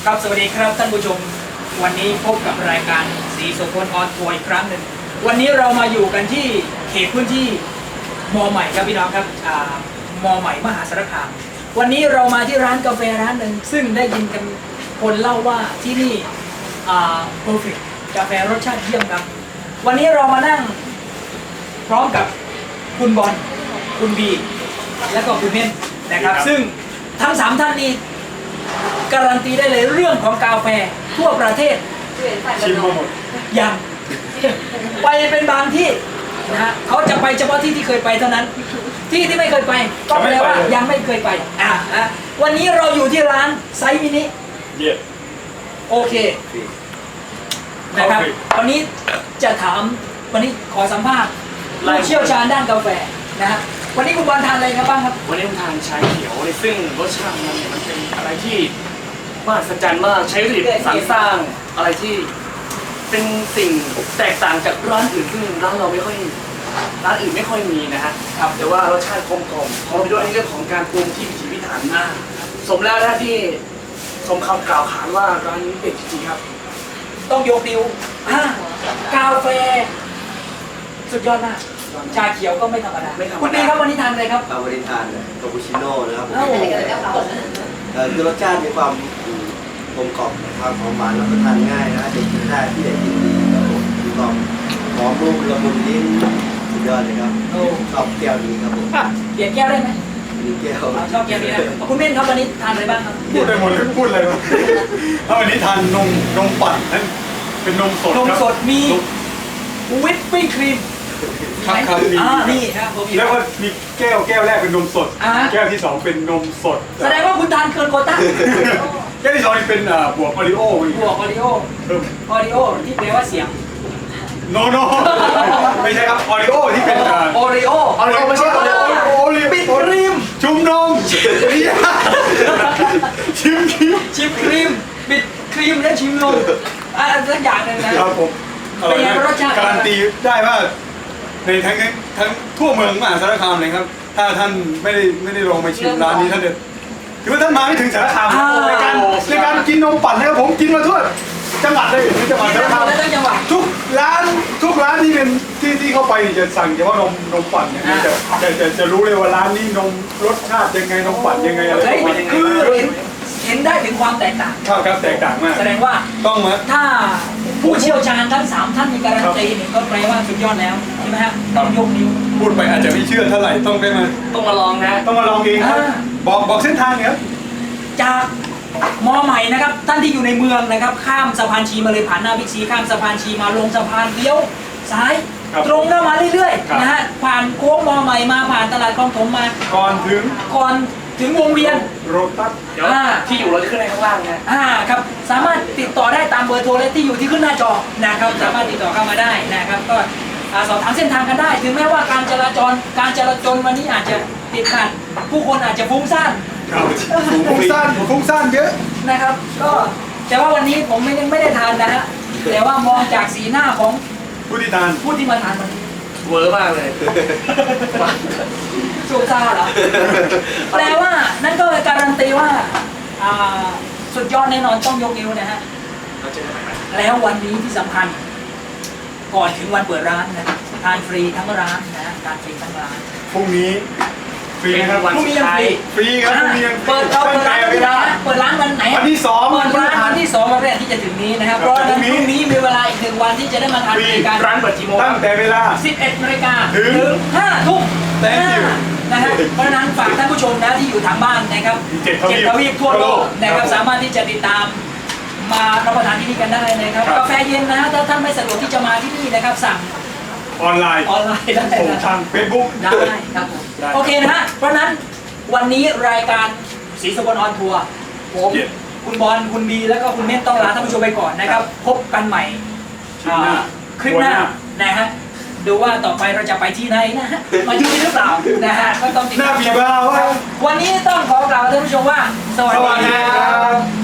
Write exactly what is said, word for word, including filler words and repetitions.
ครับสวัสดีครับท่านผู้ชมวันนี้พบกับรายการสีโสพลออนทัวร์อีกครั้งหนึ่งวันนี้เรามาอยู่กันที่เขตพื้นที่มอใหม่ครับพี่น้องครับมอใหม่มหาสารคามวันนี้เรามาที่ร้านกาแฟร้านหนึ่งซึ่งได้ยินกันคนเล่าว่าที่นี่อ่า perfect กาแฟรสชาติเยี่ยมครับวันนี้เรามานั่งพร้อมกับคุณบอลคุณบีและก็คุณเม่นนะครับซึ่งทั้งสามท่านนี้การันตีได้เลยเรื่องของกาแฟทั่วประเทศชิมมาหมดยังไปเป็นบางที่นะฮะเขาจะไปเฉพาะที่ที่เคยไปเท่านั้นที่ที่ไม่เคยไปก็แปลว่ายังไม่เคยไปอ่านะวันนี้เราอยู่ที่ร้านไซส์มินิโอเคนะครับวันนี้จะถามวันนี้ขอสัมภาษณ์ผู้เชี่ยวชาญด้านกาแฟนะฮะวันนี้คุณบอลทานอะไรครับบ้างครับวันนี้ผมทานชาเขียวซึ่งรสชาติมันมันเป็นอะไรที่มหัศจรรย์มากใช้วัตถุดิบสรรสร้างอะไรที่เป็นสิ่งแตกต่างจากร้านอื่นซึ่งร้านเราไม่ค่อยร้านอื่นไม่ค่อยมีนะฮะครับแต่ว่ารสชาติกลมกล่อมพร้อมไปด้วยเรื่องของการปรุงที่พิถีพิถันมากสมแล้วนะที่สมคำกล่าวขานว่าร้านนี้เด็ดจริงๆครับต้องยกนิ้วกาแฟสุดยอดมากชาเขียวก็ไม่ธรรมดาคุณดีครับวันนี้ทานอะไรครับวันนี้ทานคาปูชิโน่นะครับคือรสชาติมีความกลมกล่อมนะครับหอมหวานแล้วก็ทานง่ายนะเด็กกินได้ที่เด็กกินดีครับผมมีความหอมนุ่มละมุนลิ้นสุดยอดเลยครับชอบแก้วนี้ครับผมเปลี่ยนแก้วได้ไหมมีแก้วชอบแก้วนี้นะคุณเม่นครับวันนี้ทานอะไรบ้างครับพูดได้หมดเลยพูดอะไรบ้างถ้าวันนี้ทานนมนมปั่นนั่นเป็นนมสดนมสดมีวิปปิ้งครีมครับครับอ่านี่ครับผมแล้วก็มีแก้วแก้วแรกเป็นนมสดแก้วที่สองเป็นนมสดแสดงว่าคุณทานเกินโควต้าแก้วที่สองเป็นบวกออริโอบวกออริโอออริโอที่แปลว่าเสียงโนโนไม่ใช่ครับออริโอที่เป็นออริโอออริโอไม่ใช่ออริโอโอริปิดครีมชุมนมชิมครีมชิมครีมปิดครีมและชิมนมอ่าสักอย่างนึงนะครับผมเป็นไงรสชาติการันตีได้ว่าในทั้งทั้งทั่วเมืองมหาสารคามเลยครับถ้าท่านไม่ได้ไม่ได้ลองไปชิมร้านนี้ท่านเด็ดคือว่าท่านมาไม่ถึงสารคามในการในการกินนมปั่นนะครับผมกินมาทั่วจังหวัดเลยในจังหวัดสารคามทุกร้านทุกร้านที่เป็นที่ที่เข้าไปจะสั่งเฉพาะนมนมปั่นเนี่ยจะจะจะจะรู้เลยว่าร้านนี้นมรสชาติยังไงนมปั่นยังไงอะไรคือเห็นได้ถึงความแตกต่างครับครับแตกต่างมากแสดงว่าต้องมาถ้าผู้เชี่ยวชาญทั้งสามท่านมีการันตีนี่ก็แปลว่าสุดยอดแล้วใช่ไหมฮะต้องยกนิ้วพูดไปอาจจะไม่เชื่อเท่าไหร่ต้องได้มาต้องมาลองนะต้องมาลองเองครับบอกบอกเส้นทางครับจากมอใหม่นะครับท่านที่อยู่ในเมืองนะครับข้ามสะพานชีมาเลยผ่านหน้าบิ๊กซีข้ามสะพานชีมาลงสะพานเลี้ยวซ้ายตรงเข้ามาเรื่อยๆนะฮะผ่านโค้งมอใหม่มาผ่านตลาดคลองถมมาก่อนถึงก่อนถึงวงเวียนโรตัสที่อยู่เราจะขึ้นในข้างล่างนะอ่าครับสามารถติดต่อได้ตามเบอร์โทรและที่อยู่ที่ขึ้นหน้าจอนะครับสามารถติดต่อเข้ามาได้นะครับก็สอบถามเส้นทางกันได้ถึงแม้ว่าการจราจรการจราจรวันนี้อาจจะติดขัดผู้คนอาจจะฟุ้งซ่านฟุ้งซ่านฟุ้งซ่านเยอะนะครับก็แต่ว่าวันนี้ผมไม่ได้ไม่ได้ทานนะฮะแต่ว่ามองจากสีหน้าของผู้ที่ทานผู้ที่มาทานวันนี้เวอร์มากเลยสูบซ่าเหรอแปลว่านั่นก็การันตีว่าสุดยอดแน่นอนต้องยกนิ้วนะฮะแล้ววันนี้ที่สำคัญก่อนถึงวันเปิดร้านนะทานฟรีทั้งร้านนะทานฟรีทั้งร้านพรุ่งนี้ฟรีครับวันสุดท้ายฟรีครับพรุ่งนี้เปิดเราเปิดร้านวันไหนเปิดร้านวันไหนวันที่สองเปิดร้านวันที่สองวันแรกที่จะถึงนี้นะครับเพราะฉะนั้นพรุ่งนี้มีเวลาอีกหนึ่งวันที่จะได้มาทานฟรีกันร้านเปิดกี่โมงตั้งแต่เวลาสิบเอ็ดนาฬิกาถึงห้าทุ่มนะฮะเพราะฉะนั้นฝากท่านผู้ชมนะที่อยู่ทางบ้านนะครับเจ็ดทวีปทั่วโลกนะครับสามารถที่จะติดตามมารับประทานที่นี่กันได้นะครับกาแฟเย็นนะถ้าท่านไม่สะดวกที่จะมาที่นี่นะครับสั่งออนไลน์ออนไลน์ได้ส่งทางเฟซบุ๊กได้ครับโอเคนะฮะเพราะนั้นวันนี้รายการสีสกลออนทัวร์ผมคุณบอลคุณบีแล้วก็คุณเม่นต้องลาท่านผู้ชมไปก่อนนะครับพบกันใหม่คลิปหน้านะฮะดูว่าต่อไปเราจะไปที่ไหนนะฮะมาที่นี่หรือเปล่านะฮะก็ต้องติดตามชมวันนี้ต้องขอกล่าวท่านผู้ชมว่าสวัสดีครับ